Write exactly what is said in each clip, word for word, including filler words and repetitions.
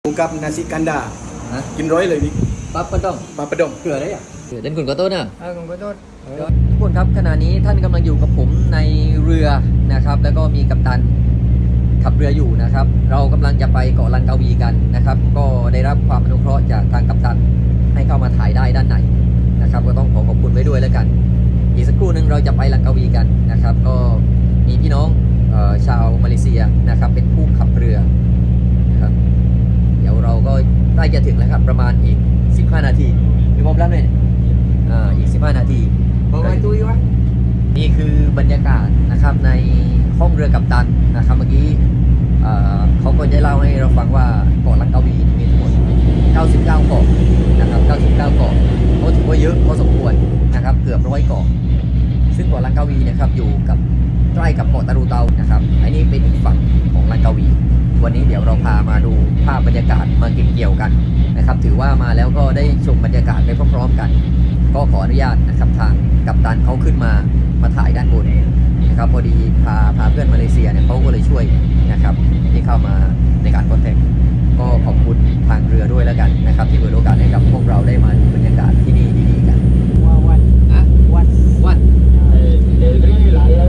กับนาซิกันดาฮะกินร้อยเลยนี่ปั๊บปะต้องปลาประดงเกลือได้อ่ะเกลือเต้นคุณก็โต้นะเออผมขอโทษทุกคนครับขณะนี้ท่านกำลังอยู่กับผมในเรือนะครับ แล้วก็มีกัปตันขับเรืออยู่นะครับ เรากำลังจะไปเกาะลังกาวีกันนะครับ ก็ได้รับความอนุเคราะห์จากทางกัปตันให้เข้ามาถ่ายได้ด้านในนะครับ ก็ต้องขอขอบคุณไว้ด้วยแล้วกัน อีกสักครู่หนึ่งเราจะไปลังกาวีกันนะครับ ก็มีพี่น้องเอ่อชาวมาเลเซียนะครับ เป็นผู้ขับเรือนะครับเดี๋ยวเราก็ใกล้จะถึงแล้วครับประมาณอีกสิบห้านาทีมีความรับไหมอ่าอีกสิบห้านาทีบอกว่าตุ้ยวะนี่คือบรรยากาศนะครับในห้องเรือกัปตันนะครับเมื่อกี้เอ่อเขาก็ได้เล่าให้เราฟังว่าเกาะลังกาวีมีทั้งหมดเก้าสิบเก้าเกาะนะครับเก้าสิบเก้าเกาะก็ถือว่าเยอะพอสมควรนะครับเกือบร้อยเกาะซึ่งเกาะลังกาวีนะครับอยู่กับใกล้กับเกาะตะรูเตานะครับอันนี้เป็นอีกฝั่งของลังกาวีวันนี้เดี๋ยวเราพามาดูภาพบรรยากาศมาเก็บเกี่ยวกันนะครับถือว่ามาแล้วก็ได้ชมบรรยากาศไปพร้อมๆกัน ก็ขออนุญาตนะครับทางกัปตันเขาขึ้นมามาถ่ายด้านบนนะครับพอดีพาพาเพื่อนมาเลเซียเนี่ยเขาก็เลยช่วยนะครับที่เข้ามาในการคอนแทคก็ขอบคุณทางเรือด้วยแล้วกันนะครับที่เปิดโอกาสให้กับพวกเราได้มาดูบรรยากาศที่นี่ดีๆกันว่าวันอะวันวันเดี๋ยวนี้หลายแล้ว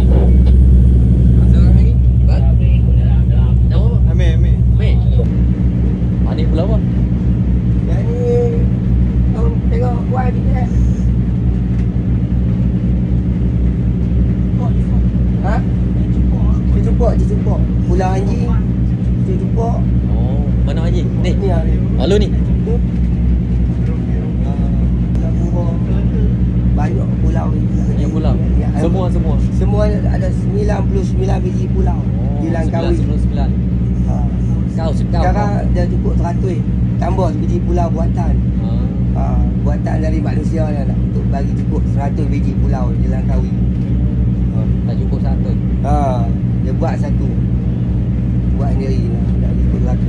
no เมย์เมย์ meอันนี้belum jadi ông tengok buat ni eh ha cucuk cucuk pulau anjing cucuk oh mana anjing ni ni ah ni oh lu ni banyak pulau yang pulau Ya, semua semua semua ada sembilan puluh sembilan biji pulau di Langkawi. sembilan Ha. káuสิบเก้า Sekarang dah cukup seratus tambah biji pulau buatan. Ha, buatan dari manusia ni nak untuk bagi cukup seratus biji pulau di Langkawi. Ha. tak cukup satu Ha, dia buat satu. Buat sendiri lah, nak cukup seratus.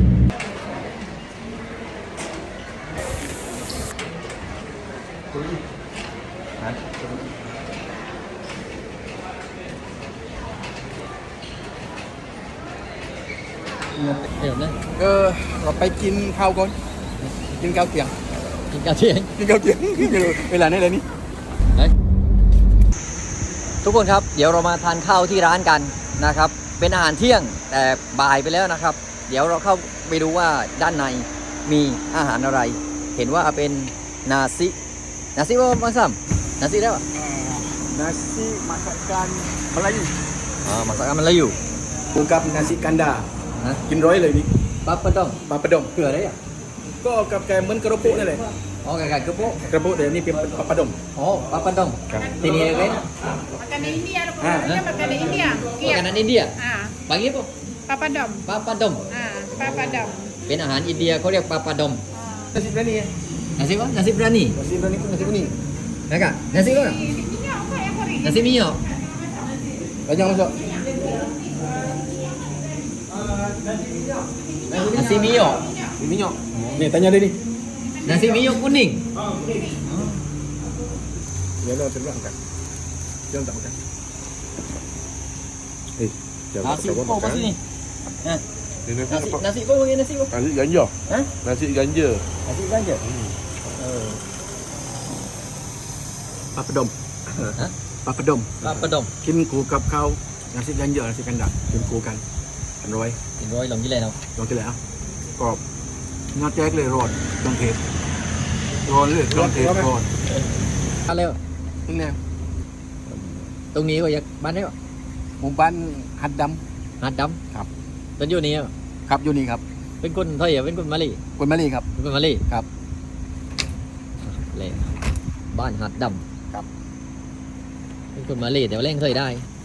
Hiểu đấy เออเราไปกินข้าวก่อนกินข้าวเที่ยงกินกาเทียงกินข้าวเที่ยงเวลานี้เลยนี่ทุกคนครับเดี๋ยวเรามาทานข้าวที่ร้านกันนะครับเป็นอาหารเที่ยงแต่บ่ายไปแล้วนะครับ เดี๋ยวเราเข้าไปดูว่าด้านในมีอาหารอะไร เห็นว่าเป็นนาซินาซิว่าบางซ้ำนาซิได้ปะ nasi masakan Melayu อ่ามาสักมันแล้วอยู่กับนาซิกันดาฮะกินร้อยเลยนี่ปั๊บปะต้องปลาประดงเกลือได้อ่ะก็กับแกเหมือนกระโปงนั่นแหละอ๋อไก่ๆกระโปะกระโปงแต่นี่เป็นปลาประดงอ๋อปั๊บปะต้องทีนี้เว้น Makanan India tu pun. Ha, Dia makanan India. มากานันอินเดีย Ah, บางยี่ปะ papadom. ปั๊บปะดม Ah, papadom. เป็นอาหารอินเดียเขาเรียกปั๊บปะดม nasi berani ya nasi apa nasi berani nasi berani tu nasi kuning Nakak nasi apa Ini minyak apa yang kering? nasi minyak banyak masuk nasi minyak minyak ni tanya dia ni nasi minyak kuning dia lah terangkan jangan tak makan eh jangan nasi tak apa makan sini eh Ni nasi nasi apa? nasi apa bagi nasi apa Nasi ganja. ha Nasi ganja. nasi ganja oh ปลาประดมฮะปลาประดมปั๊บปะดมกินคู่กับข้าวนาซิกันเยอะนาซิกันดักกินคู่กันกันร้อยกินร้อยลงยี่เลยเนาะลองกินแล้วกรอบเนื้อแจ๊กเลยร้อนเครื่องเทศร้อนเลยเครื่องเทศร้อนอะไรวะนี่แน่ตรงนี้ก็อยากบ้านได้ปะหมู่บ้านหัดดหาดดครับำเป็นอยู่นี่ปะำครับอยู่นี่ครับเป็นคนไทยอ่ะเป็นคนมาลีคนมาลีครับเป็นคนมาลีครับเลยบ้านหาดดำครับเป็นคนมาลีแต่ว่าเล่นเคยได้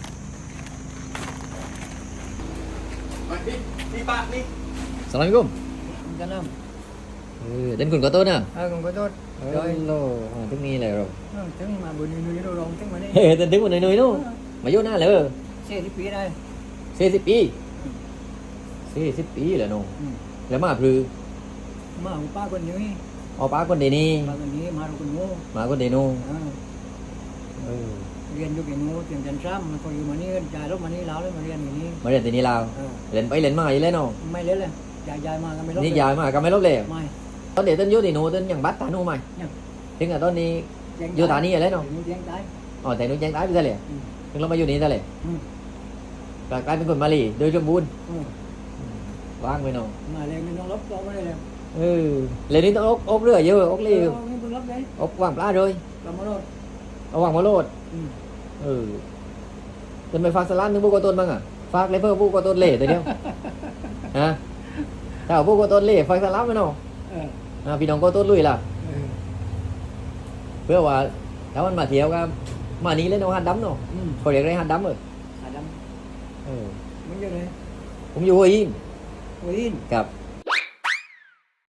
นี่นี่ปะนี่ Assalamualaikum Salam. เออเด่นคุณก็โต้นะ Ha,ผมขอโทษโอ้ยโลอ่าทุกนี้เลยเราเออถึงมาบุญนุ้ยเราลองถึงมานี่เฮ้ยเต้นถึงวันหน่อยๆนู้มาโยนหน้าเลยเสียที่ปีได้สี่สิบปีสี่สิบปีแล้วน้องแล้วมาพลือมาของป้าคนนี้เอาป้าคนเดนี่ป้าคนนี้มาเราคนโง่มาคนเดนูเออเออเรียนอยู่กี่โง่เรียนจันทร์ซ้ำมันก็อยู่มานี่จ่ายรถมานี่แล้วเลยมาเรียนอย่างนี้มาเรียนที่นี่ลาวเออเล่นไปเล่นมาอยู่แล้วน้องไม่เล่นเลยอยายยายมากันไม่รบนี่ยายมาก็ไม่ลบเลยไม่ตอนเด็กต้นอยุติหนูต้นอย่างบัตรตาหนูไหมยังถึงกับตอนนี้แจ้งอยู่ฐานีอะไรเนาะแจ้งตายอ๋อแต่หนูแจ้งตายไปซะเลยอืมถึงเรามาอยู่นี่ซะเลยอืมกลายเป็นคนมาลีโดยสมบูรณ์อืมว่างไปเนาะมาเลยไม่ต้องลบก็ไม่ได้เลยเออเลยนี่ต้องอกอกเรือเยอะอกเลี้ยวไม่ต้องลบเลยอกว่างปลาเลยเรามาโนดเอาว่างมาโลดอืมเออจนไปฝากสลันถึงผู้ก่อต้นบ้างอ่ะฝากเลยเพื่อผู้ก่อต้นเล่ตัวเดียวฮะถ้าเอาผู้ก่อต้นเล่ฝากสลันไปเนาะเอออ่าพี่น้องก่อต้นลุยล่ะเออเพื่อว่าถ้ามันมาเที่ยวก็มานี้เล่นเอาหัดดำเนาะอืมเขาเรียกอะไรหัดดำเออขาดเออำมันอยู่ไหนผมอยู่หัวหินหัวหินกับ